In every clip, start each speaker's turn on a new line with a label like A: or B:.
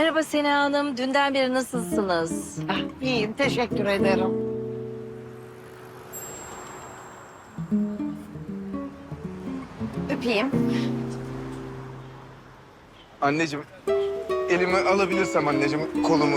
A: Merhaba Sena Hanım. Dünden beri nasılsınız?
B: İyiyim, teşekkür ederim. Öpeyim.
C: Anneciğim, elimi alabilirsem anneciğim, kolumu.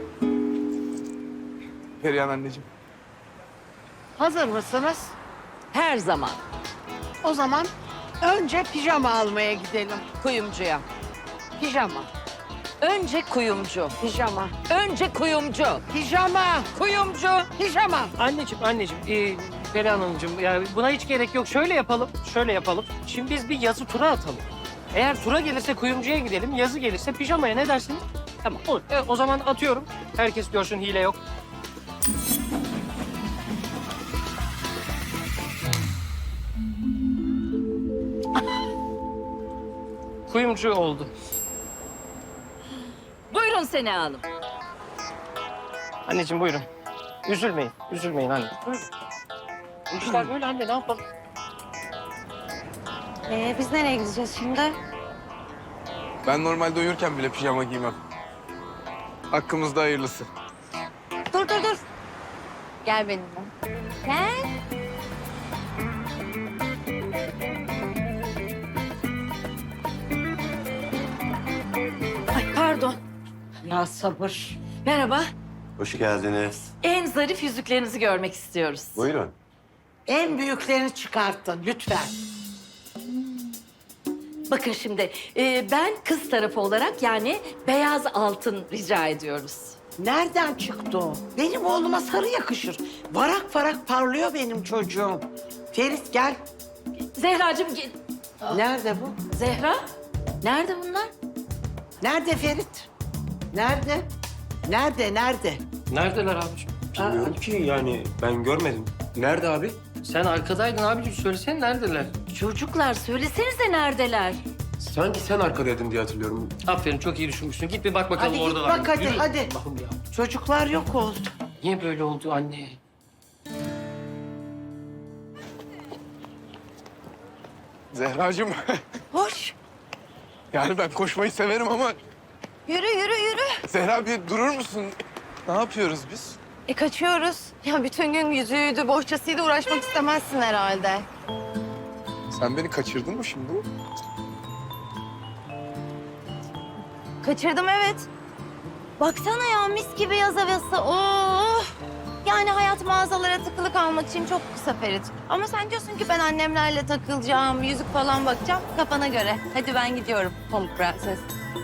C: Perihan anneciğim.
B: Hazır mısınız?
A: Her zaman.
B: O zaman önce pijama almaya gidelim.
A: Kuyumcuya.
B: Pijama,
A: Önce kuyumcu.
B: pijama,
A: Önce kuyumcu.
B: pijama,
A: Kuyumcu.
B: pijama.
D: Anneciğim, Perihan Hanımcığım, yani buna hiç gerek yok. Şöyle yapalım. Şimdi biz bir yazı tura atalım. Eğer tura gelirse kuyumcuya gidelim, yazı gelirse pijamaya, ne dersiniz? Tamam, olur. O zaman atıyorum. Herkes görsün, hile yok. Kuyumcu oldu.
A: Buyurun Sena Hanım.
D: Anneciğim buyurun. Üzülmeyin anne. Buyurun. Bu işler böyle anne, ne yapalım?
B: Biz nereye gideceğiz şimdi?
C: Ben normalde uyurken bile pijama giymem. Hakkımızda hayırlısı.
B: Dur. Gel benimle. Gel.
A: Ay pardon.
B: Ya sabır.
A: Merhaba.
E: Hoş geldiniz.
A: En zarif yüzüklerinizi görmek istiyoruz.
E: Buyurun.
B: En büyüklerini çıkartın lütfen.
A: Bakın şimdi ben kız tarafı olarak yani beyaz altın rica ediyoruz.
B: Nereden çıktı o? Benim oğluma sarı yakışır. Varak varak parlıyor benim çocuğum. Ferit gel.
A: Zehracığım
B: Nerede bu?
A: Zehra nerede bunlar?
B: Nerede Ferit? Nerede? Nerede?
D: Neredeler abiciğim?
E: Bilmiyorum ki yani ben görmedim. Nerede abi?
D: Sen arkadaydın abiciğim, söylesene neredeler?
A: Çocuklar söylesenize neredeler?
E: Sanki sen arkadaydın diye hatırlıyorum.
D: Aferin, çok iyi düşünmüşsün. Git bir bak bakalım
B: Hadi git
D: oradalar mı?
B: bak, hadi,
D: Yürü.
B: hadi.
D: Allah'ım ya.
B: Çocuklar yok oldu.
D: Niye böyle oldu anne?
C: Zehracığım,
B: Hoş.
C: yani ben koşmayı severim ama...
F: Yürü.
C: Zehra bir durur musun? Ne yapıyoruz biz?
F: Kaçıyoruz. Ya bütün gün yüzüğüydü, bohçasıyla uğraşmak istemezsin herhalde.
C: Sen beni kaçırdın mı şimdi?
F: Kaçırdım evet. Baksana ya mis gibi yaz havası. Oh! Yani hayat mağazalara tıkılı kalmak için çok kısa Ferit. Ama sen diyorsun ki ben annemlerle takılacağım, yüzük falan bakacağım. Kafana göre. Hadi ben gidiyorum Pamuk Prenses.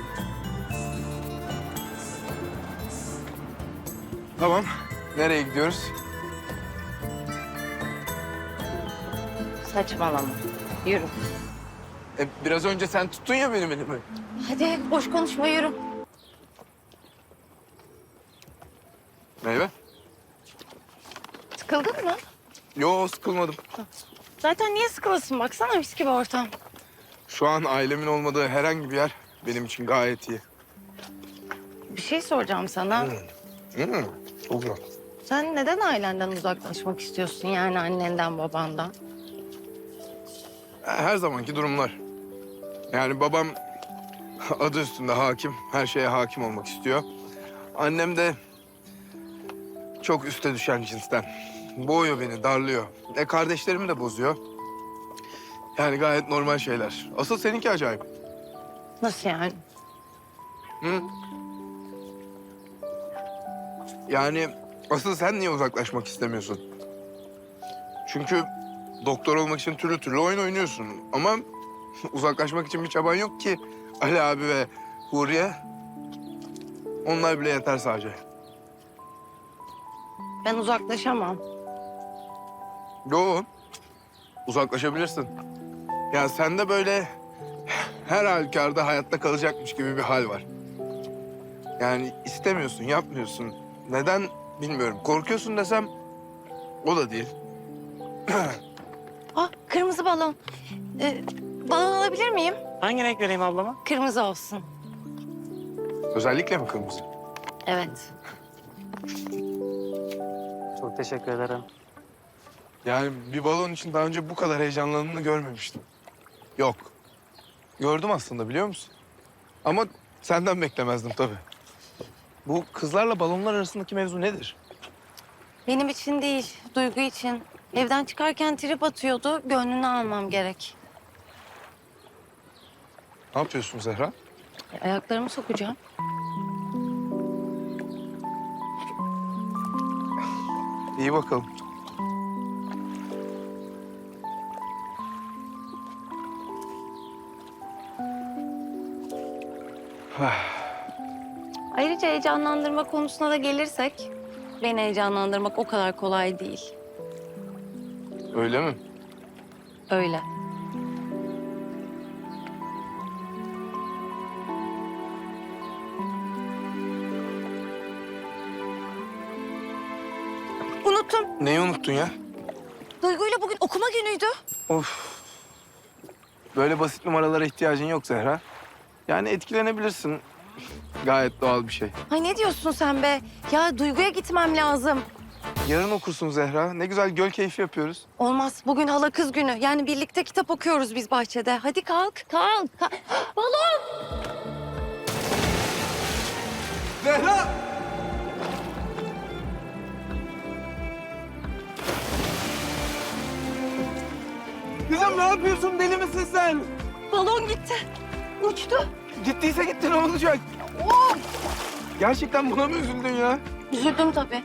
C: Tamam. Nereye gidiyoruz?
F: Saçmalama. Yürü.
C: Biraz önce sen tuttun ya benim elimi.
F: Hadi boş konuşma yürü.
C: Meyve?
F: Sıkıldın mı?
C: Yo, sıkılmadım.
F: Zaten niye sıkılasın? Baksana mis gibi ortam.
C: Şu an ailemin olmadığı herhangi bir yer benim için gayet iyi.
F: Bir şey soracağım sana.
C: Çok güzel.
F: Sen neden ailenden uzaklaşmak istiyorsun yani annenden babandan?
C: Her zamanki durumlar. Yani babam adı üstünde hakim, her şeye hakim olmak istiyor. Annem de çok üste düşen cinsten. Boğuyor beni, darlıyor. Kardeşlerimi de bozuyor. Yani gayet normal şeyler. Asıl seninki acayip.
F: Nasıl yani?
C: Hı? Yani asıl sen niye uzaklaşmak istemiyorsun? Çünkü doktor olmak için türlü türlü oyun oynuyorsun. Ama uzaklaşmak için bir çaban yok ki. Ali abi ve Huriye, onlar bile yeter sadece.
F: Ben uzaklaşamam.
C: Yo, uzaklaşabilirsin. Ya sende böyle her halükarda hayatta kalacakmış gibi bir hal var. Yani istemiyorsun, yapmıyorsun. Neden bilmiyorum. Korkuyorsun desem o da değil.
F: Kırmızı balon. Balon alabilir miyim?
D: Hangi renk vereyim ablama?
F: Kırmızı olsun.
C: Özellikle mi kırmızı?
F: Evet.
D: Çok teşekkür ederim.
C: Yani bir balon için daha önce bu kadar heyecanlandığını görmemiştim. Yok. Gördüm aslında, biliyor musun? Ama senden beklemezdim tabii. Bu kızlarla balonlar arasındaki mevzu nedir?
F: Benim için değil, Duygu için. Evden çıkarken trip atıyordu, gönlünü almam gerek.
C: Ne yapıyorsun Zehra?
F: Ayaklarımı sokacağım.
C: İyi bakalım.
F: Ayrıca heyecanlandırma konusuna da gelirsek... beni heyecanlandırmak o kadar kolay değil.
C: Öyle mi?
F: Öyle. Unuttum.
C: Neyi unuttun ya?
F: Duygu'yla bugün okuma günüydü.
C: Of. Böyle basit numaralara ihtiyacın yok Zehra. Yani etkilenebilirsin. Gayet doğal bir şey.
F: Ay ne diyorsun sen be? Ya Duygu'ya gitmem lazım.
C: Yarın okursun Zehra. Ne güzel göl keyfi yapıyoruz.
F: Olmaz. Bugün hala kız günü. Yani birlikte kitap okuyoruz biz bahçede. Hadi kalk, kalk. Balon!
C: Zehra! Kızım ne yapıyorsun? Deli misin sen?
F: Balon gitti. Uçtu.
C: Gittiyse gitti ne olacak? Gerçekten buna mı üzüldün ya?
F: Üzüldüm tabii.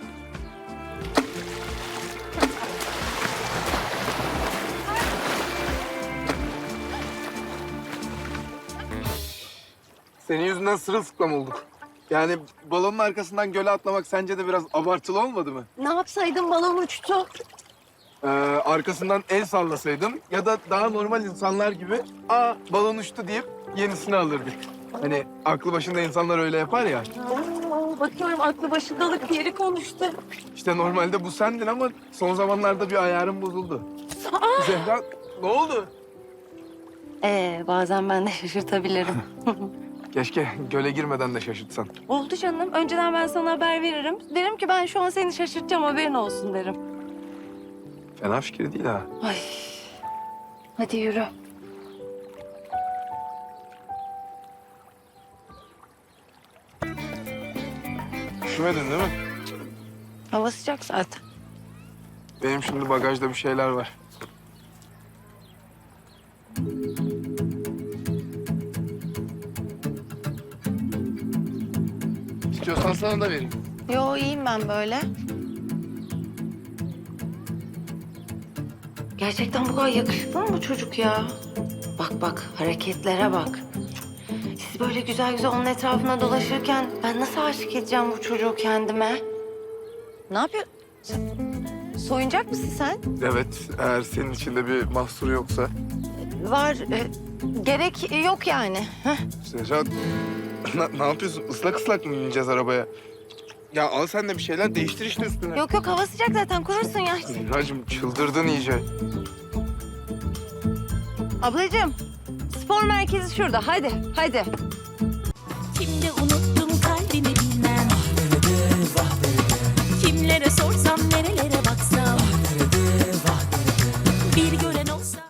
C: Senin yüzünden sırılsıklam olduk. Yani balonun arkasından göle atlamak sence de biraz abartılı olmadı mı?
F: Ne yapsaydım balon uçtu.
C: Arkasından el sallasaydım ya da daha normal insanlar gibi balon uçtu deyip yenisini alırdık. Hani aklı başında insanlar öyle yapar ya.
F: Oo, bakıyorum aklı başındalık yeri konuştu.
C: İşte normalde bu sendin ama son zamanlarda bir ayarın bozuldu. Zehra ne oldu?
F: Bazen ben de şaşırtabilirim.
C: Keşke göle girmeden de şaşırtsan.
F: Oldu canım. Önceden ben sana haber veririm. Derim ki ben şu an seni şaşırtacağım haberin olsun derim.
C: Fena fikir değil ha.
F: Ay. Hadi yürü.
C: Üşümedin değil mi?
F: Hava sıcak zaten.
C: Benim şimdi bagajda bir şeyler var. İstiyorsan sana da vereyim.
F: Yo iyiyim ben böyle. Gerçekten bu kadar yakışıklı mı bu çocuk ya? Bak bak hareketlere bak. Siz böyle güzel güzel onun etrafına dolaşırken ben nasıl aşık edeceğim bu çocuğu kendime? Ne yapıyorsun? Soyunacak mısın sen?
C: Evet, eğer senin içinde bir mahsur yoksa.
F: Var. Gerek yok yani. Heh.
C: Zehra, ne yapıyorsun? Islak ıslak mı bineceğiz arabaya? Ya al sen de bir şeyler değiştir işte üstüne.
F: Yok yok hava sıcak zaten kurursun ya.
C: Zehracığım çıldırdın iyice.
F: Ablacığım spor merkezi şurada hadi hadi.